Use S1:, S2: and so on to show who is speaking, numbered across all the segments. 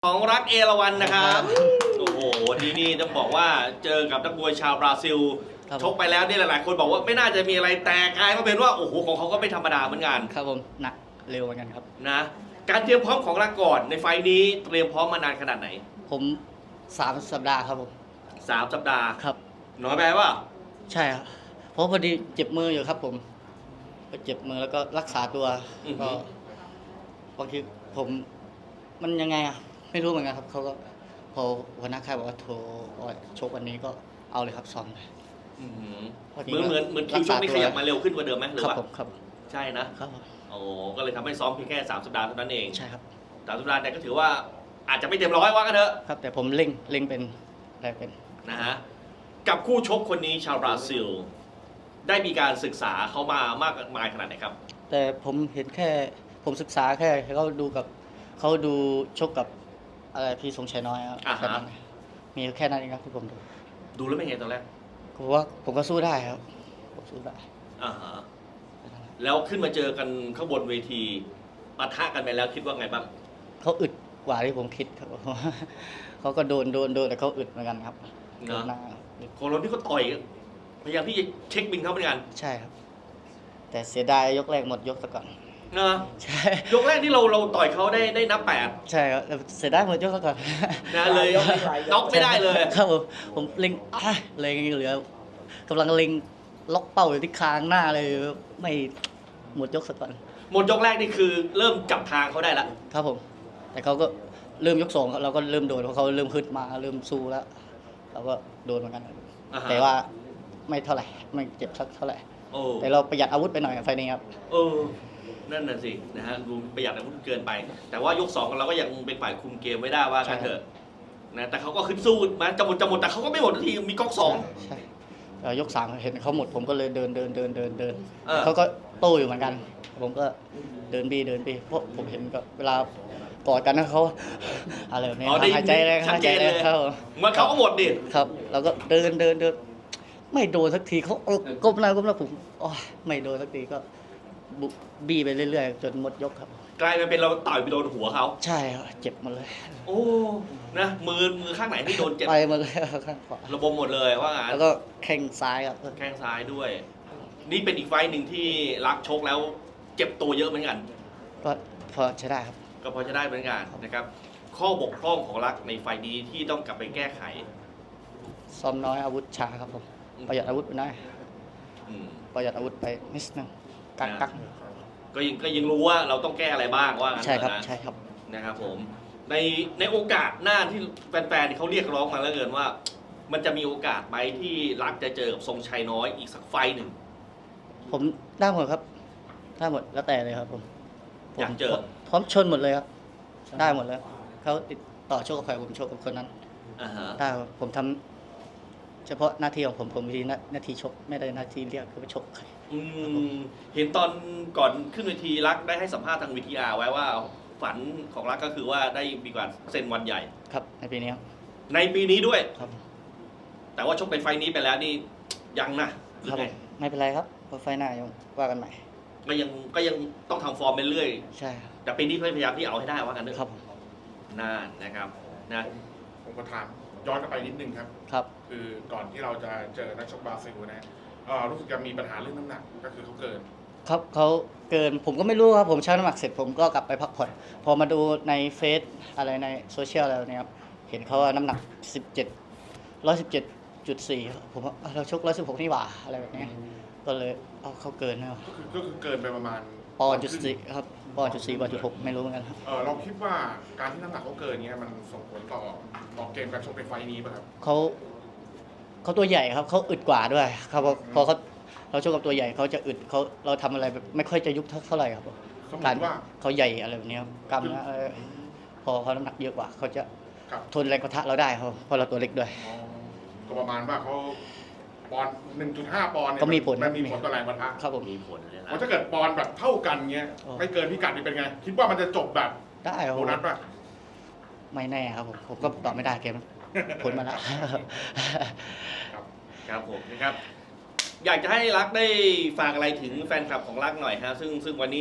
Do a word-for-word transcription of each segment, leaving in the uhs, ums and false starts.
S1: ของรักเอราวัณนะครับโอ้โหที่นี่ต้องบอกว่าเจอกับนักมวยชาวบราซิลชกไปแล้วนี่หลายๆคนบอกว่าไม่น่าจะมีอะไรแต่กลายมาเป็นว่าโอ้โหของเขาก็ไม่ธรรมดาเหมือนกัน
S2: ครับผมหนักเร็วเหมือนกันครับ
S1: นะการเตรียมพร้อมของรักก่อนในไฟนี้เตรียมพร้อมมานานขนาดไหน
S2: ผมสามสัปดาห์ครับผม
S1: สามสัปดาห์
S2: ครับ
S1: น้อยไปป่ะ
S2: ใช่ครับเพราะพอดีเจ็บมืออยู่ครับผมเจ็บมือแล้วก็รักษาตัวก็บางทีผมมันยังไงอ่ะไม่รู้เหมือนกันครับเขาก็พอหัวหน้าค่ายบอกว่าโทรชกวันนี้ก็เอาเลยครับซ้อมเลย
S1: เหมือนเหมือนเหมือนคิวชกนี่ขยับมาเร็วขึ้นกว่าเดิมไหมหรือว่า
S2: ครับ
S1: ใช่นะครับโอ้ก็เลยทำให้ซ้อมเพียงแค่สามสัปดาห์เท่านั้นเอง
S2: ใช่ครับ
S1: สามสัปดาห์แต่ก็ถือว่าอาจจะไม่เต็มร้อยว่ากันเถอะ
S2: ครับแต่ผมเล่งเล่งเป็นอะไรเป็น
S1: นะฮะกับคู่ชกคนนี้ชาวบราซิลได้มีการศึกษาเขามามากมายขนาดไหนครับ
S2: แต่ผมเห็นแค่ผมศึกษาแค่เขาดูกับเขาดูชกกับอะไรพี่สงชัยน้อยครับแค่นั้นมีแค่นั้นเองครับที่ผมดู
S1: ดูแล้วเป็นไงตอนแรก
S2: ผมว่าผมก็สู้ได้ครับผมสู้ได้
S1: อ่าฮะแล้วขึ้นมาเจอกันข้างบนเวทีปะทะกันไปแล้วคิดว่าไงบ้าง
S2: เขาอึดกว่าที่ผมคิดครับเขาก็โดนโดนโดนแต่เขาอึดเหมือนกันครับ
S1: เนาะคนเราที่เขาต่อยพยายามที่จะเช็คบินเขาเหมือนกัน
S2: ใช่ครับแต่เสียดายยกแรกหมดยกซะก่อน
S1: นะใช่ยกแรกที่เราเราต่อยเขาได้ได้นับแปด
S2: ใช่ครับเสียดายหมดยกซะก่อน
S1: นะเลยน็อกไม่ได้เลย
S2: ครับผมผมเล็งเล็งเหลือกำลังเล็งล็อกเป้าอยู่ที่คางหน้าเลยไม่หมดยกซะก่อน
S1: หมดยกแรกนี่คือเริ่มจับทางเขาได้แล้ว
S2: ครับผมแต่เขาก็เริ่มยกสองเราก็เริ่มโดนเพราะเขาเริ่มขึ้นมาเริ่มสู้แล้วเราก็โดนเหมือนกันแต่ว่าไม่เท่าไหร่ไม่เจ็บสักเท่าไหร่แต่เราประหยัดอาวุธไปหน่อยไฟนี้ครับ
S1: เออนั่นน่ะสินะฮะดูประหยัดอาวุธเกินไป แต่ว่ายกสองเราก็ยังเป็นฝ่ายคุมเกมไม่ได้ว่ากันเถอะนะแต่เขาก็ขึ้นสู้มาจะหมดจะหมดแต่เขาก็ไม่หมดทีมีก๊อกสอง
S2: ใช่ยกสามเห็นเขาหมดผมก็เลยเดินเดินเดินเดินเดินเขาก็โต้อยู่เหมือนกันผมก็เดินบีเดินบีเพราะผมเห็นก็เวลากอดกันนะเขาอะไรแบบนี้หายใจแรงหายใจแรงเขา
S1: เมื่อเขาก็หมดดิ
S2: ครับเราก็เดินเดินเดินไม่โดนสักทีเขาก้มหน้าก้มหน้าผมอ๋อไม่โดนสักทีก็บีไปเรื่อยๆจนหมดยกครับ
S1: กลายเป็นเราต่อยไปโดนหัวเขา
S2: ใช่ครับเจ็บมาเลย
S1: โอ้นะมือมือข้างไหนที่โดนเจ็บ
S2: ไปมาเลยข้างขวา
S1: ระบมหมดเลยว่างั้น
S2: แล้วก็แข้งซ้ายครับ
S1: แข้งซ้ายด้วยนี่เป็นอีกไฟหนึ่งที่รักชกแล้วเจ็บตัวเยอะเหมือนกัน
S2: ก็พอใช้ได้ครับ
S1: ก็พอจะได้เหมือนกันนะครับข้อบกพร่องของรักในไฟนี้ที่ต้องกลับไปแก้ไข
S2: ซ้อมน้อยอาวุธช้าครับผมประหยัดอาวุธไปหน่อยประหยัดอาวุธไปนิดนึงกักกัก
S1: ก็ยังก็ยังรู้ว่าเราต้องแก้อะไรบ้างว่า
S2: ใช่ครับใช่ครับ
S1: นะครับผมในในโอกาสหน้าที่แฟนๆเขาเรียกร้องมาแล้วเกินว่ามันจะมีโอกาสไหมที่รักจะเจอกับทรงชัยน้อยอีกสักไฟหนึ่ง
S2: ผมได้หมดครับได้หมดแล้วแต่เลยครับผม
S1: อยากเจอ
S2: พร้อมชนหมดเลยครับได้หมดแล้วเขาติดต่อโชคกับใครผมโชคกับคนนั้นได้ผมทำเฉพาะหน้าที่ของผมผมมีหน้าที่ชกไม่ได้หน้าที่เรียกคือไปชกใคร
S1: เห็นตอนก่อนขึ้นเวทีรักได้ให้สัมภาษณ์ทางวีทีอาร์ไว้ว่าฝันของรักก็คือว่าได้มีการเซ็นวันใหญ่
S2: ครับในปีนี้
S1: ในปีนี้ด้วย
S2: ครับ
S1: แต่ว่าชกเป็นไฟนี้ไปแล้วนี่ยังนะครับ
S2: ไม่เป็นไรครับพอไฟหน้ายังว่ากันใหม่
S1: ก็ยังก็ยังต้องทำฟอร์มไปเรื่อย
S2: ใช่
S1: แต่ปีนี้พยายามที่เอาให้ได้ว่ากันเถอะ
S2: ครับ
S1: น่านะครับนะ
S3: ผมก็ถามย้อนกลับไปนิดนึงครับ
S2: ครับ
S3: คือก่อนที่เราจะเจอนักชกบราซิลนะรู้สึกจะมีปัญหาเรื่องน้ำหนักก็คือเขาเกิน
S2: ครับเขาเกินผมก็ไม่รู้ครับผมชั่งน้ำหนักเสร็จผมก็กลับไปพักผ่อนพอมาดูในเฟซอะไรในโซเชียลอะไรเนี่ยครับเห็นเขาว่าน้ำหนักสิบเจ็ดร้อยสิบเจ็ดจุดสี่ผมว่าเราชกร้อยสิบหกนี่หว่าอะไรแบบนี้ก็เลยเอาเขาเกินนะ
S3: ก็คือก็คือเกินไปประมาณ
S2: ปอนด์จุดสี่ครับปอนด์จุดสี่ปอนด์จุดหกไม่รู้เหมือนกันครับ
S3: เออเราคิดว่าการที่น้ำหนักเขาเกินเนี้ยมันส่งผลต่อต่อเกมการชกในไฟนี้ป่ะครับ
S2: เขาเขาตัวใหญ่ครับเขาอึดกว่าด้วยครับพอเขาเราชกกับตัวใหญ่เขาจะอึดเขาเราทำอะไรแบบไม่ค่อยจะยุบเท่าไหร่ครับการเขาใหญ่อะไรแบบนี้กล้ามเนื้อพอเขาน้ำหนักเยอะกว่าเขาจะทนแรงกระทะเราได้ครับเพราะเราตัวเล็กด้วย
S3: ก็ประมาณว่าเขาปอนด์ หนึ่งจุดห้า ปอนด์
S2: ก็มีผล
S3: มันมีผลต่อแรงกระทะ
S2: ครับผม
S1: มีผลเลยนะ
S3: ถ้าเกิดปอนด์แบบเท่ากันเงี้ยไม่เกินพิกัดนี่เป็นไงคิดว่ามันจะจบแบบ
S2: ได้
S3: โบนัสป่ะ
S2: ไม่แน่ครับผมผมก็ตอบไม่ได้เกมผลมาแล้ว
S1: ครับครับผมนะครับอยากจะให้รักได้ฝากอะไรถึงแฟนคลับของรักหน่อยฮะซึ่งซึ่งวันนี้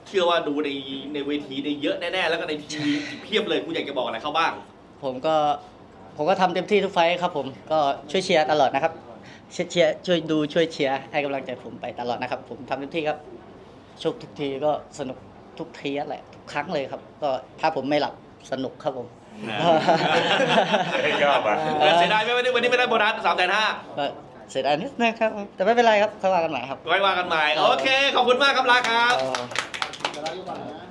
S1: เชื่อว่าดูในในเวทีในเยอะแน่ๆแล้วก็ในทีวีเพียบเลยคุณอยากจะบอกอะไรเขาบ้าง
S2: ผมก็ผมก็ทำเต็มที่ทุกไฟท์ครับผมก็ช่วยเชียร์ตลอดนะครับเชียร์เชียร์ช่วยดูช่วยเชียร์ให้กำลังใจผมไปตลอดนะครับ ผมทำเต็มที่ครับชกทุกทีก็สนุกทุกทีแหละทุกครั้งเลยครับ ก็ถ้าผมไม่หลับสนุกครับผม
S3: ยอดอ่ะ
S1: เออเสียดายไหมวันนี้วันนี้ไม่ได้โบนัสสามแสนห้า
S2: ก็เสียดายนิดนึงครับแต่ไม่เป็นไรครับค่อยว่ากันใหม่ครับ
S1: ไว้ว่ากันใหม่โอเคขอบคุณมากครับลาครับ
S2: เอ่อ
S4: จะได้ยุบก่อนนะ